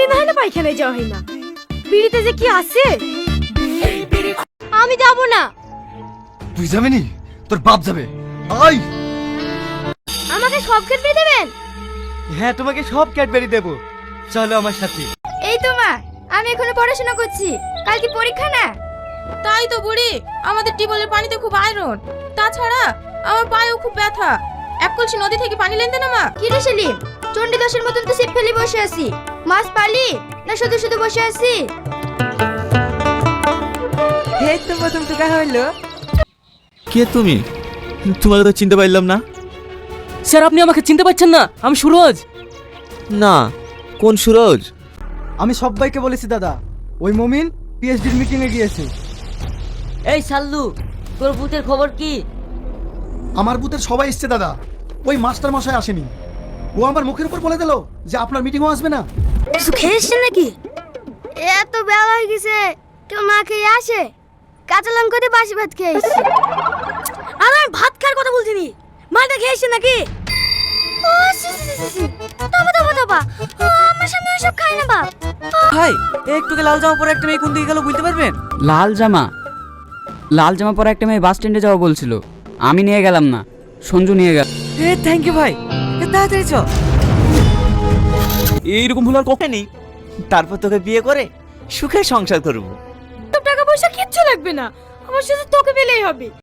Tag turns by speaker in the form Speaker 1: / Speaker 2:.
Speaker 1: না হয় না পায়খানায় যাওয়া হয় না। বিড়িতে যে কি আছে। আমি যাব না।
Speaker 2: তুই যাবি নি? তোর বাপ যাবে। আই
Speaker 1: আমাকে সব খেতে দেবেন?
Speaker 3: হ্যাঁ, তোমাকে সব ক্যাডবেরি দেবো, চলো আমার সাথে।
Speaker 1: এই তো মা, আমি এখনো পড়াশোনা করছি, কাল কি পরীক্ষা না?
Speaker 4: তাই তো বুড়ি, আমাদের টিউবওয়েলের পানিতে খুব আয়রন, তাছাড়া আমার পায়েও খুব ব্যথা। এক কলসি নদী থেকে পানি লেনতে না মা।
Speaker 1: কি রে সেলিম, চণ্ডীদাসের মতন তো সিপ ফেলে বসে আছি। মাছ পালি না শুধু শুধু বসে আছি?
Speaker 3: এই তো প্রথম টুকা হইলো।
Speaker 5: কে তুমি? তোমাকে তো চিনতে পারলাম না।
Speaker 6: স্যার, আপনি আমাকে চিনতে পারছেন না? আমি সুরজ।
Speaker 5: না, কোন সুরজ?
Speaker 3: আমি সবাইকে বলেছি দাদা, ওই মমিন পিএইচডির মিটিং এ গিয়েছে।
Speaker 6: এই সাল্লু, তোর বুথের খবর কি?
Speaker 2: আমার বুথের সবাই এসছে দাদা, ওই মাস্টার মশাই আসেনি। ও আমার মুখের উপর বলে দিল যে আপনার মিটিংও আসবে না।
Speaker 1: কিছু খেয়েছেন নাকি? এত বেলা হয়ে গেছে, কেউ না খেয়ে আসে? কাঁচা লঙ্কা দিয়ে বাসি ভাত খেয়েছি। আর আমি ভাত খাওয়ার কথা বলছিনি, মালটা খেয়েছে নাকি? ও সি সি সি সি, তবা তবা তবা, আমার সামনে ওসব খাই না বাপ।
Speaker 6: ভাই, একটুকে লাল জামা পরে একটা মেয়ে কোন দিকে গেল বুঝতে পারবেন?
Speaker 7: লাল জামা পরে একটা মেয়ে বাস স্ট্যান্ডে যাওয়া বলছিল, আমি নিয়ে গেলাম না, সঞ্জু নিয়ে গেল।
Speaker 6: থ্যাংক ইউ ভাই, তাড়াতাড়ি চ।
Speaker 5: এইরকম ভুল আর কখনো নেই। তারপর তোকে বিয়ে করে সুখে সংসার করবো।
Speaker 1: টাকা পয়সা কিচ্ছু লাগবে না, আমার শুধু তোকে পেলেই হবে।